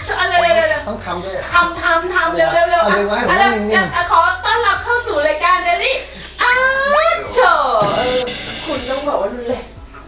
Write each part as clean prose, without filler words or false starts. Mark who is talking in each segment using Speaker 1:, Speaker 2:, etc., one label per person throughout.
Speaker 1: อะไร
Speaker 2: ต้องทำด้วย
Speaker 1: ทำเร็วขอต้อนรับเข้าสู่รายการเดลี่อาร์ตโชว์คุณต้องบอกว่ารุนแรง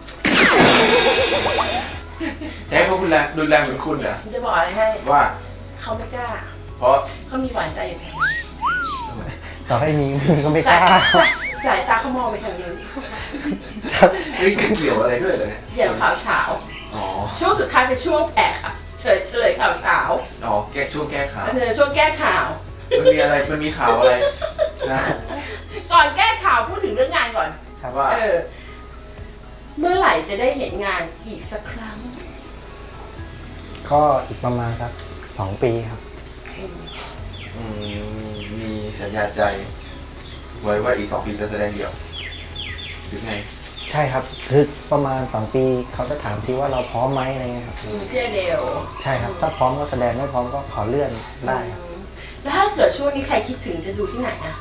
Speaker 3: จะให้เขารุนแรงเหมือนคุณเหรอ
Speaker 1: จะบอกอะไรให้
Speaker 3: ว่า
Speaker 1: เขาไม่กล้า
Speaker 3: เพราะ
Speaker 1: เขามีหวานใจอยู่ทางนี้
Speaker 2: ต่อให้มีก็ไม่กล้า
Speaker 1: สายตาเขามองไปทางนู้น
Speaker 3: นี่เกี่ยวอะไรด้วยเลย
Speaker 1: เกี่ยวข่าวเช้าช่วงสุดท้ายเป็นช่วงแอกค่ะเฉลยข่าวเช้า
Speaker 3: ช่วงแก้ข่าว
Speaker 1: ช่วงแก้ข่าว
Speaker 3: มันมีอะไรมันมีข่าวอะไรนะ
Speaker 1: ก่อนแก้ข่าวพูดถึงเรื่องงานก่อน
Speaker 3: ว่า
Speaker 1: เมื่อไหร่จะได้เห็นงานอีกสักครั้ง
Speaker 2: ก็อีกประมาณครับ2 ปีครับ
Speaker 3: มีสัญญาใจไว้ว่าอีก2 ปีจะแสดงเดี่ยวหรือไง
Speaker 2: ใช่ครับคือประมาณ2 ปีเขาจะถามทีว่าเราพร้อมไหมอะไรเงี้ยครับ
Speaker 1: เที่ยวเดียว
Speaker 2: ใช่ครับถ้าพร้อมก็แสดงไม่พร้อมก็ขอเลื่อนได้ครับ
Speaker 1: แล้วถ้าเกิดช่วงนี้ใครคิดถึงจะดูที่ไหนอ่ะ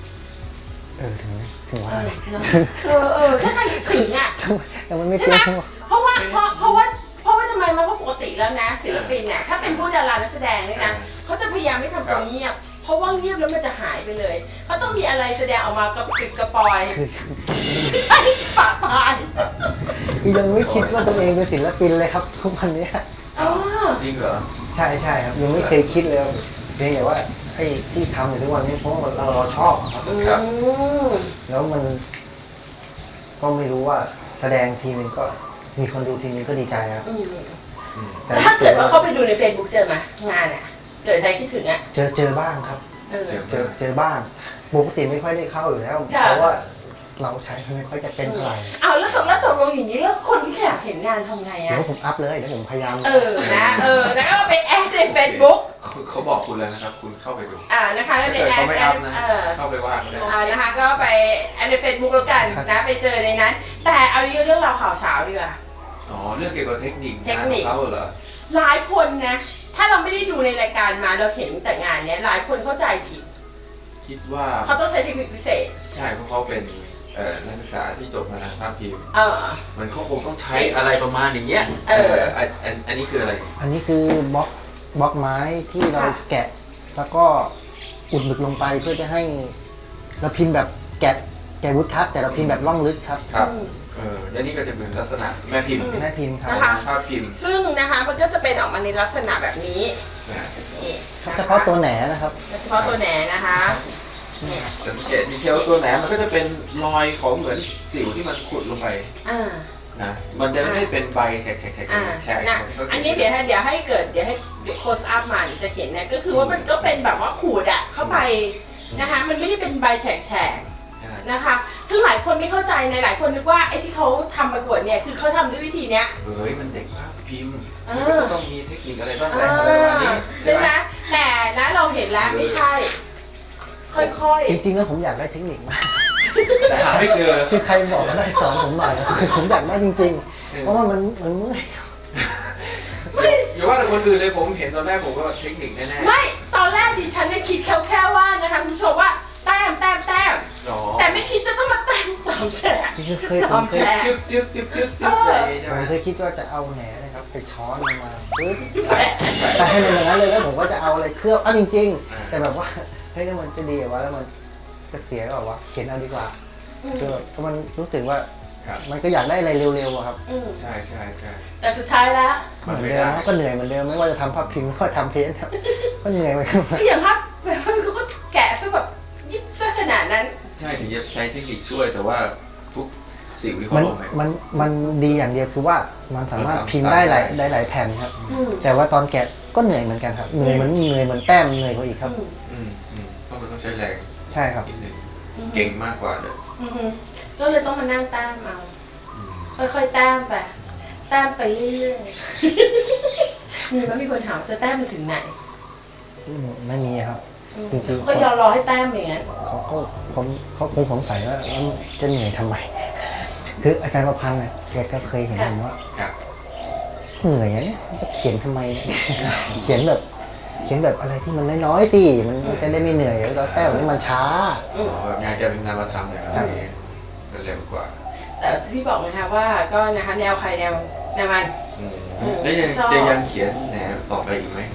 Speaker 2: ถึงว่า
Speaker 1: ถ้าใครคิดถึงอ่ะ
Speaker 2: แต่มันไม่
Speaker 1: ใช่ไหมเพราะว่าทำไมมันก็ปกติแล้วนะศิลปินเนี่ยถ้าเป็นผู้ดารานักแสดงเนี่ยนะเขาจะพยายามไม่ทำตัวเงียบเพราะว่าเงียบแล้วมันจะหายไปเลยเขาต้องมีอะไรแสดงออกมากระปิดกระปอยไม่ใช่ปะพาน
Speaker 2: คือยังไม่คิดว่าตัวเองเป็นศิลปินเลยครับทุกวันนี้
Speaker 3: จริงเหรอ
Speaker 2: ใช่ครับยังไม่เคยคิดเลยเพียงแต่ว่าไอ้ที่ทำอยู่ทุกวันนี้เพราะว่าเราชอบครับแล้วมันก็ไม่รู้ว่าแสดงทีนึงก็มีคนดูทีนึงก็ดีใจครับ
Speaker 1: แต่ถ้าเกิดว่าเข้าไปดูใน Facebook เจอไหมงานอ่ะเกิดใครคิดถึงอ่ะ
Speaker 2: เจอบ้างครับเจอบ้างปกติไม่ค่อยได้เข้าอยู่แล้วเพราะว่าเราใช้ไม่ค่อยจะเป็นอะไร
Speaker 1: แล้วตกลงอย่างนี้แล้วคนที่อยากเห็นงานทำไงอ่ะ
Speaker 2: เดี๋ยวผมอัพเลยเดี๋ยวผมพยายาม
Speaker 1: แล้วก็ไปแอดใน Facebook
Speaker 3: เขาบอกคุณแล้วนะครับคุณเข้าไปดู
Speaker 1: นะคะแล้วในแอด
Speaker 3: เข้าไปว่าก็ได้
Speaker 1: นะคะก็ไปแอดใน Facebook แล้วกันนะไปเจอในนั้นแต่เอาเรื่องราวข่าวเช้าดีกว่า
Speaker 3: เรื่องเกี่ยวกับเทคนิคของเขาเหรอ
Speaker 1: หลายคนนะถ้าเราไม่ได้ดูในรายการมาเราเห็นแต่งานเนี้ยหลายคนเข้าใจผิด
Speaker 3: คิดว่า
Speaker 1: เขาต้องใช้เทคนิคพิเศษ
Speaker 3: ใช่เพราะเขาเป็นนักศึกษาที่จบมาทางภาพพิมพ์มันก็คงต้องใช้อะไรประมาณอย่างเงี้ยอันนี้คืออะไร
Speaker 2: อันนี้คือบล็อกไม้ที่เราแกะแล้วก็อุดหมึกลงไปเพื่อจะให้เราพิมพ์แบบแกะวุ้ดคัพแต่เราพิมพ์แบบล่องลึกครับ
Speaker 3: แล้วนี่ก็จะเป็นลักษณะแม่พิมพ์
Speaker 2: ครับ
Speaker 3: ภาพพิมพ์
Speaker 1: ซึ่งนะคะมันก็จะเป็นออกมาในลักษณะแบบนี้
Speaker 2: เฉพาะตัวแหนนะครับ
Speaker 1: เฉพาะตัวแหนนะคะ
Speaker 3: จะสังเกตดีเทลตัวแหนมันก็จะเป็นรอยของเหมือนสิวที่มันขุดลงไปนะมันจะไม่เป็นใบแฉก
Speaker 1: อันนี้เดี๋ยวให้โคสอัพมาจะเห็นเนี่ยก็คือว่ามันก็เป็นแบบว่าขูดอ่ะเข้าไปนะคะมันไม่ได้เป็นใบแฉกนะคะซึ่งหลายคนไม่เข้าใจในหลายคนนึกว่าไอ้ที่เขาทำประกวดเนี่ยคือเขาทำด้วยวิธีเนี้ย
Speaker 3: มันเด็กภาพพิมพ์ต้องมีเทคนิคอะไรบ้าง
Speaker 1: ใช่ไหมแต่นะเราเห็นแล้วไม่ใช่ค่อย
Speaker 2: ๆจริงๆแล้วผมอยากได้เทคนิคมาก
Speaker 3: แต่หาไม่เจอ
Speaker 2: คือใครบอกก็ได้สอนผมหน่อยคือผมอยากได้จริงๆเพราะว่ามันเมื่อย
Speaker 3: อย่าว่าแต่คนอื่นเลยผมเห็นตอนแรกผมก็เทคนิคแน่
Speaker 1: ๆไม่ตอนแรกดิฉันเนี่ยคิดแค่ว่านะคะคุณผู้ชมว่าแต้มแต่ไม่คิดจะต้องมาแต้ม3 แฉก
Speaker 2: ผมเคย
Speaker 3: จึ๊บ
Speaker 2: ผมเคยคิดว่าจะเอาแหนนะครับไปช้อนมาปึ๊บแต่ให้มันอย่างนั้นเลยแล้วผมก็จะเอาอะไรเคลือบจริงๆแต่แบบว่าเฮ้ยมันจะดีกว่าแล้วมันจะเสียแบบว่าเขียนเอาดีกว่าคือมันรู้สึกว่ามันก็อยากได้อะไรเร็วๆครับ
Speaker 3: ใช่
Speaker 1: แต่สุดท้ายแล้ว
Speaker 2: เหมือนเดิมก็เหนื่อยเหมือนเดิมไม่ว่าจะทำภาพพิมพ์หรือว่าทำเพ้นท์ครับก็เหนื่อยเหมือนกัน
Speaker 1: อย่างภาพก็แกะซะแบบยิบซะขนาดนั้น
Speaker 3: ใช่ถึงจะใช้เทคนิคช่วยแต่ว่าทุกสิ่งที่เขาลง
Speaker 2: มันดีอย่างเดียวคือว่ามันสามารถพิมพ์ได้หลายแผ่นครับแต่ว่าตอนแกะก็เหนื่อยเหมือนกันครับเหนื่อยเหมือนแต้มเหนื่อยกว่าอีกครับ
Speaker 3: เพราะมันต้องใช้แรง
Speaker 2: ใช่ครับ
Speaker 3: เก่งมากกว่าเลย
Speaker 1: ก็เลยต้องมานั่งแต้มเอาค่อยๆแต้มไปเรื่อยๆมีคนถามจะแต้มไปถึงไหน
Speaker 2: ไม่มีครับ
Speaker 1: จริงๆก็ยอมรอให้แต้มอย่างนั้น
Speaker 2: เขาคงสงสัยว่าจะเหนื่อยทำไมคืออาจารย์ประพันธ์เนี่ยแกก็เคยเห็นผมว่าเหนื่อยเนี่ยจะเขียนทำไมเนี่ยเขียนแบบอะไรที่มันน้อยๆสิมันจะได้ไม่เหนื่อยแล้วแต้มนี่มันช้
Speaker 3: างานจะเป็นงานมาทำอย่างนี้เป็นเร็วกว่า
Speaker 1: แต่พี่บอกนะคะว่าก็นะคะแนวใครแนวมัน
Speaker 3: แล้วจะยังเขียนแนวต่อไปอีกไหม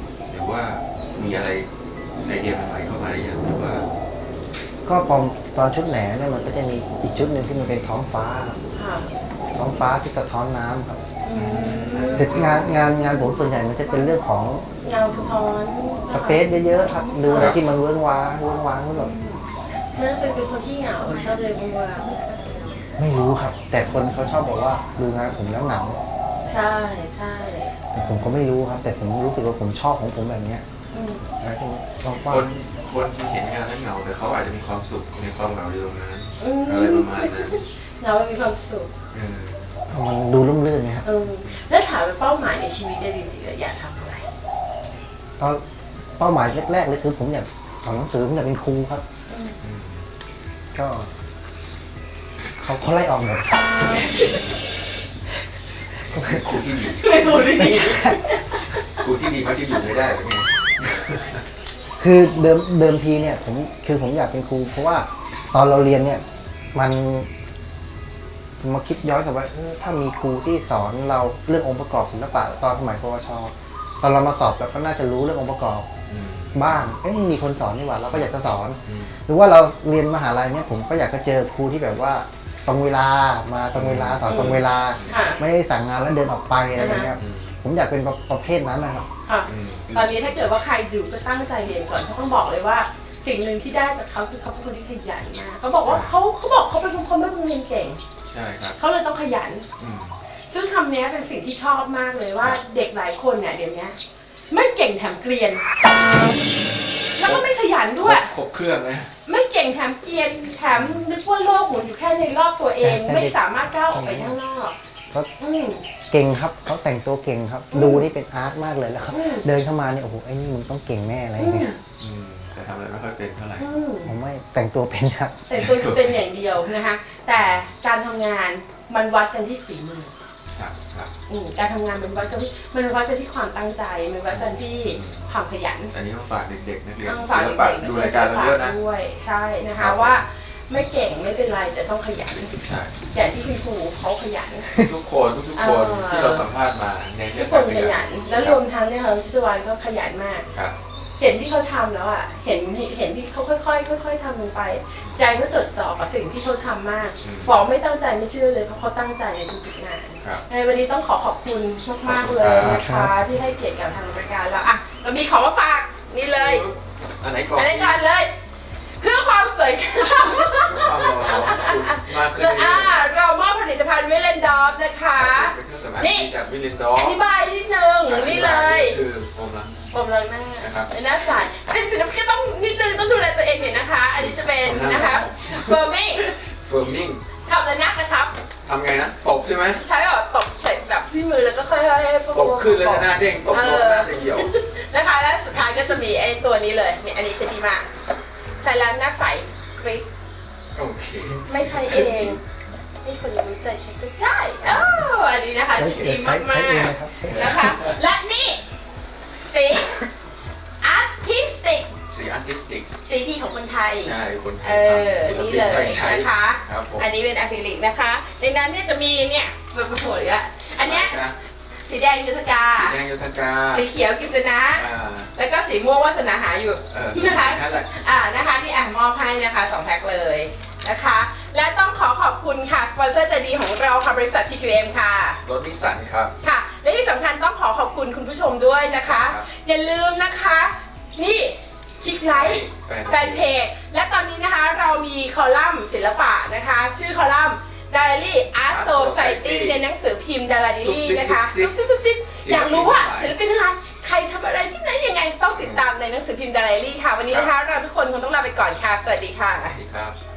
Speaker 3: รือว่ามีอะไรไอเดียใหม่ๆเข้ามาหรือยังหรือว่า
Speaker 2: ก็พอตอนชุดแหนเนี่ยมันก็จะมีอีกชุดหนึ่งที่มันเป็นท้องฟ้าครับ
Speaker 1: ค่ะ
Speaker 2: ท้องฟ้าที่สะท้อนน้ำครับ
Speaker 1: อืม
Speaker 2: แต่งานผมส่วนใหญ่มันจะเป็นเรื่องของ
Speaker 1: เงาสะท้อน
Speaker 2: สเปซเยอะๆครับดูอะไรที่มันเวิ้งว้างก็แบบ
Speaker 1: เธอเป็นคนที่เหงาชอบเลยเวลา
Speaker 2: ไม่รู้ครับ แต่คนเขาชอบบอกว่าดูงานผมแล้วเหงา
Speaker 1: ใช่ใช่
Speaker 2: แต่ผมก็ไม่รู้ครับ แต่ผมรู้สึกว่าผมชอบของผมแบบเนี้ย
Speaker 1: อืม
Speaker 2: แล้วก็ลอง
Speaker 3: ค
Speaker 2: ว่าน
Speaker 3: เห็นงานนั้นเหงาแต่เขาอาจจะมีความสุขในความเหงาอยู่ตรงนั้น
Speaker 1: อืม
Speaker 3: อะไรประมาณนั้น
Speaker 1: เรามีความสุข
Speaker 3: เออ
Speaker 2: มันดูร่มรื่นไงครับ
Speaker 1: แล้วถามว่าเป้าหมายในชีวิตได้จริงๆแล้วอยากทำอะไร
Speaker 2: ตอนเป้าหมายแรกๆเลยคือผมอยากสอนหนังสือผมอยากเป็นครูครับ
Speaker 3: อืม
Speaker 2: ก็เขาไล่ออกหมด
Speaker 3: ครูที่ดี
Speaker 1: ไม่รู้ดิ
Speaker 2: ไม่ใช่
Speaker 3: ครูที่ดีมักจะอยู่ไม่ได้หรือไง
Speaker 2: คือเดิมทีเนี่ยผมอยากเป็นครู เพราะว่าตอนเราเรียนเนี่ยมันมาคิดย้อนกลับว่าถ้ามีครูที่สอนเราเรื่ององค์ประกอบศิลปะตอนสมัยปวชตอนเรามาสอบเราก็น่าจะรู้เรื่ององค์ประกอบ
Speaker 3: อืม
Speaker 2: บ้างมีคนสอนนี่หว่าเราก็อยากจะสอน
Speaker 3: อืม
Speaker 2: หรือว่าเราเรียนมหาลัยเนี่ยผมก็อยากจะเจอครูที่แบบว่าตรงเวลามาตรงเวลาสอนตรงเวลา
Speaker 1: ค่ะ
Speaker 2: ไม่ได้สั่งงานแล้วเดินออกไปอะไรอย่างเงี้ย
Speaker 3: อืม
Speaker 2: ผมอยากเป็นประเภทนั้นนะครับ
Speaker 1: ค่ะ
Speaker 3: อืม
Speaker 1: ตอนนี้ถ้าเกิดว่าใครอยู่ก็ตั้งใจเรียนก่อนเขาต้องบอกเลยว่า สิ่งหนึ่งที่ได้จากเขาคือเขาเป็นคนที่ขยันมากเขาบอกว่าเขาบอกเขาเป็นคนไม่เรียนเก่ง
Speaker 3: ใช่ครับ
Speaker 1: เขาเลยต้องขยัน
Speaker 3: อืม
Speaker 1: ซึ่งคำนี้เป็นสิ่งที่ชอบมากเลยว่าเด็กหลายคนเนี่ยเดี๋ยวนี้ไม่เก่งแถมเกรียน แล้วก็ไม่ขยันด้วย
Speaker 3: ครบเครื่องเลย
Speaker 1: ไม่เก่งแถมเกรียนแถมนึกว่าโลกหมุนอยู่แค่ในรอบตัวเอง
Speaker 2: แต่
Speaker 1: ไม่สามารถก้าวออกไปข้างนอก
Speaker 2: เขา
Speaker 1: อืม
Speaker 2: เก่งครับเขาแต่งตัวเก่งครับ ดูนี่เป็นอาร์ตมากเลยแล้วครับ
Speaker 1: อืม
Speaker 2: เดินเข้ามาเนี่ยโอ้โหไอ้นี่มึงต้องเก่งแน่อะไรอย่างเงี้ย
Speaker 3: อืมแต่ทำอะไรไม่ค่อยเป็นเท่าไหร่
Speaker 1: อืม
Speaker 2: ผมไม่แต่งตัวเป็นครับ
Speaker 1: แต่ตัวจะเป็นอย่างเดียวนะคะ แต่การทำงานมันวัดกันที่ฝีมือ
Speaker 3: ครับครับ
Speaker 1: การทำงานมันวัดกันที่ความตั้งใจ มันวัดกันที่ความขยัน
Speaker 3: อันนี้มาฝากเด็กๆนักเรียน
Speaker 1: ต้อง
Speaker 3: ศิ
Speaker 1: ฝาก
Speaker 3: ล
Speaker 1: เด็
Speaker 3: ปะ
Speaker 1: กๆ
Speaker 3: ดูรายการเราเยอะนะ
Speaker 1: ด้วยใช่นะ
Speaker 3: ครั
Speaker 1: คะ
Speaker 3: บ
Speaker 1: ว่าไม่เก่งไม่เป็นไรแต่ต้องขยัน
Speaker 3: ใช่
Speaker 1: อย่างที่คุณครูเขาขยัน
Speaker 3: ทุกคนที่เราสัมภาษณ์มาในเรื่
Speaker 1: ทุ
Speaker 3: อก ง
Speaker 1: ค
Speaker 3: กาน ร
Speaker 1: ขยัน แล้วรวมทั้งเนี่ยค่ะชิจวานก็ขยันมาก
Speaker 3: ครับ
Speaker 1: เห็นที่เขาทำแล้วอ่ะเห็นที่เขาค่อยๆทำลงไป ใจเขาจดจ่อกับสิ่งที่เขาทำมาก บอกไม่ตั้งใจไม่เชื่อเลยเพราะเขาตั้งใจในทุกๆงาน
Speaker 3: ครับ
Speaker 1: ในวันนี้ต้องขอบคุณมากๆเลยนะคะที่ให้เกียรติกับทางรายการเราอ่ะเรามีของมาฝากนี่เลย
Speaker 3: อันไหนก่อน
Speaker 1: อันนี้กันเลย เพื่อความสวยงาม
Speaker 3: ความรอของคุณมากขึ้นเรื่อยๆ
Speaker 1: เรามอบผลิตภัณฑ์วิเลนดอฟนะคะ
Speaker 3: เป็นเครื่องสำอางจากวิลินดอ
Speaker 1: อ
Speaker 3: ฟ
Speaker 1: ธิบายนิดนึงนี่เลย
Speaker 3: คือโฟมล้าง
Speaker 1: ผมเลยหน้า
Speaker 3: นะครับ
Speaker 1: เป็นหน้าใสเป็นศิลปินต้องนิดนึงต้องดูแลตัวเองหน่อยนะคะ อันนี้จะเป็นนะคะเบอร์มิ่ง
Speaker 3: เฟิร์มมิ่ง
Speaker 1: ทำแล้วหน้ากระชับ
Speaker 3: ทำไงนะตบใช่ไหม
Speaker 1: ใช้แบบตบใส่แบบที่มือแล้วก็ค่อยๆ
Speaker 3: ตบขึ้นแล้วหน้าเด้งตบลงหน้าจะเหี่ยว
Speaker 1: นะคะและสุดท้ายก็จะมีไอ้ตัวนี้เลยมีอันนี้ใช้ดีมากใช้แล้วหน้าใสกริ๊ก
Speaker 3: โอเค
Speaker 1: ไม่ใช่เองให้คนรู้ใจใช้ก็ได้อันนี้นะคะ
Speaker 2: ใช้
Speaker 1: ดีมาก
Speaker 2: ใช้เอง
Speaker 1: ๆ
Speaker 2: นะครับ
Speaker 1: นะคะ และนี่สีอาร์ติสติก
Speaker 3: สีอาร์ติสติก
Speaker 1: สีดีของคนไทย
Speaker 3: ใช่คนไทย
Speaker 1: นี่
Speaker 3: ทำศิ
Speaker 1: เล
Speaker 3: ลปินไท
Speaker 1: ย
Speaker 3: ยใช้
Speaker 1: นะคะ
Speaker 3: ครับผม
Speaker 1: อันนี้เป็นอะคริลิกนะคะ ในนั้นเนี่ยจะมีเนี่ยแบบหัวเลยอันเนี้ยสีแดงยุทธกา
Speaker 3: สีแดงโยธกา
Speaker 1: สีเขียวกิษณะ
Speaker 3: อ่า
Speaker 1: แล้วก็สีม่วงวาสนาหาอยู่ นะคะ
Speaker 3: นั่นแหละ
Speaker 1: นะคะที่มอบให้นะคะ2แพ็คเลยนะคะ และต้องขอบคุณค่ะสปอนเซอร์ใจดีของเราค่ะบริษัท TQM ค่ะ
Speaker 3: รถนิสสันครับ
Speaker 1: ค่ะ และที่สำคัญต้องขอบคุณคุณผู้ชมด้วยนะคะ
Speaker 3: ครับ
Speaker 1: อย่าลืมนะคะ นี่คลิกไลค์แฟนเพจและตอนนี้นะคะเรามีคอลัมน์ศิลปะนะคะ ชื่อคอลัมน์ Diary Art Society ในหนังสือพิมพ์ Diary นะคะซุบอยากรู้ว่าศิลปินอะไรใครทำอะไรที่ไหนยังไงต้องติดตามในหนังสือพิมพ์ Diary ค่ะ วันนี้นะคะเราทุกคนคงต้องลาไปก่อนค่ะ สวัสดีค่ะ
Speaker 3: สวัสดีครับ